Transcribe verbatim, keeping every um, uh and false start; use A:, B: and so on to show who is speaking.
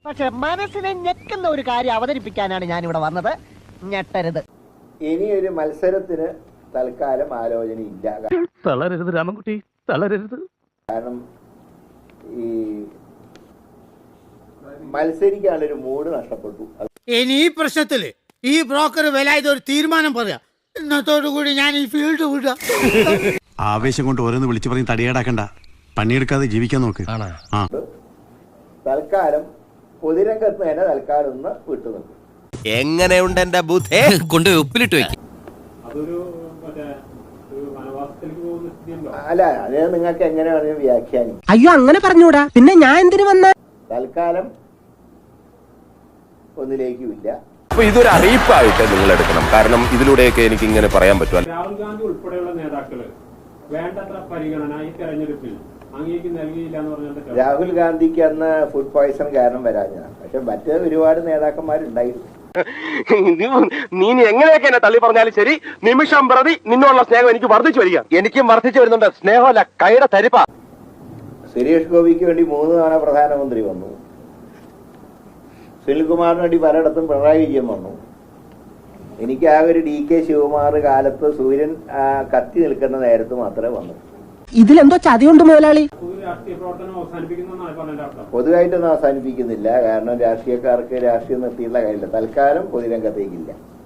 A: പക്ഷെ മനസ്സിനെ ഞെക്കുന്ന ഒരു കാര്യം അവതരിപ്പിക്കാനാണ് ഞാൻ ഇവിടെ വന്നത്. ഞെട്ടരുത്.
B: ഇനിയൊരു മത്സരത്തിന് തൽക്കാലം ആലോചനയില്ല.
C: തളരരുത് രാമൻകുട്ടി, തളരരുത്.
B: കാരണം ഈ മത്സരിക്കാനുള്ളൊരു മൂഡ് നഷ്ടപ്പെട്ടു.
D: ഇനി ഈ പ്രശ്നത്തില് ഈ ബ്രോക്കർ വിലായത് ഒരു തീരുമാനം പറയാം. ഇന്നത്തോടു കൂടി ഞാൻ ഈ ഫീൽഡ് വിടാം.
E: ആവേശം കൊണ്ട് ഓരോന്ന് വിളിച്ചു പറഞ്ഞ് തടിയേടാക്കണ്ട, പണിയെടുക്കാതെ ജീവിക്കാൻ നോക്ക്.
B: തൽക്കാലം പൊതുരംഗത്ത് തന്നെ തൽക്കാലം ഒന്ന് വിട്ടു നിൽക്കും.
F: എങ്ങനെയുണ്ട് എന്റെ ബുദ്ധി? കൊണ്ട് ഉപ്പിലിട്ട് വെക്കും.
B: അല്ല, അത് നിങ്ങൾക്ക് എങ്ങനെ വേണമെങ്കിലും വ്യാഖ്യാനിക്കും.
A: അയ്യോ, അങ്ങനെ പറഞ്ഞൂടാ. പിന്നെ ഞാൻ എന്തിനു വന്ന?
B: തൽക്കാലം ഒന്നിലേക്കുമില്ല.
F: അപ്പൊ ഇതൊരു അറിയിപ്പായിട്ട് നിങ്ങൾ എടുക്കണം. കാരണം ഇതിലൂടെയൊക്കെ എനിക്ക് ഇങ്ങനെ പറയാൻ പറ്റും.
G: രാഹുൽ ഗാന്ധി ഉൾപ്പെടെയുള്ള നേതാക്കള് വേണ്ടത്ര പരിഗണന ഈ തെരഞ്ഞെടുപ്പിൽ അങ്ങേക്ക് നൽകിയില്ല എന്ന് പറഞ്ഞാൽ
B: രാഹുൽ ഗാന്ധിക്ക് അന്ന് ഫുഡ് പോയ്സൺ കാരണം വരാഞ്ഞതാണ്. പക്ഷെ മറ്റ് ഒരുപാട് നേതാക്കന്മാരുണ്ടായിരുന്നു.
C: നീ എങ്ങനെയൊക്കെ എന്നെ തള്ളി പറഞ്ഞാലും ശരി, നിമിഷം പ്രതി നിന്നുള്ള സ്നേഹം എനിക്ക് വർദ്ധിച്ചു വരിക. എനിക്കും വർദ്ധിച്ചു വരുന്നുണ്ട്. സ്നേഹമല്ല, കൈയുടെ തരിപ്പ.
B: സുരേഷ് ഗോപിക്ക് വേണ്ടി മൂന്ന് തവണ പ്രധാനമന്ത്രി വന്നു. സുനിൽകുമാറിന് വേണ്ടി പലയിടത്തും പിണറായി വിജയൻ വന്നു. എനിക്ക് ആ ഒരു ഡി കെ ശിവകുമാർ കാലത്ത് സൂര്യൻ കത്തി നിൽക്കുന്ന നേരത്ത് മാത്രമേ വന്നു.
A: ഇതിലെന്തോ ചതിയുണ്ട് മുതലാളി.
G: രാഷ്ട്രീയ പ്രവർത്തനം അവസാനിപ്പിക്കുന്നതാണ് പറഞ്ഞതിന്റെ അർത്ഥം.
B: പൊതുവായിട്ടൊന്നും അവസാനിപ്പിക്കുന്നില്ല. കാരണം രാഷ്ട്രീയക്കാർക്ക് രാഷ്ട്രീയം നിർത്തിയുള്ള കാര്യമില്ല. തൽക്കാലം പൊതുരംഗത്തേക്കില്ല.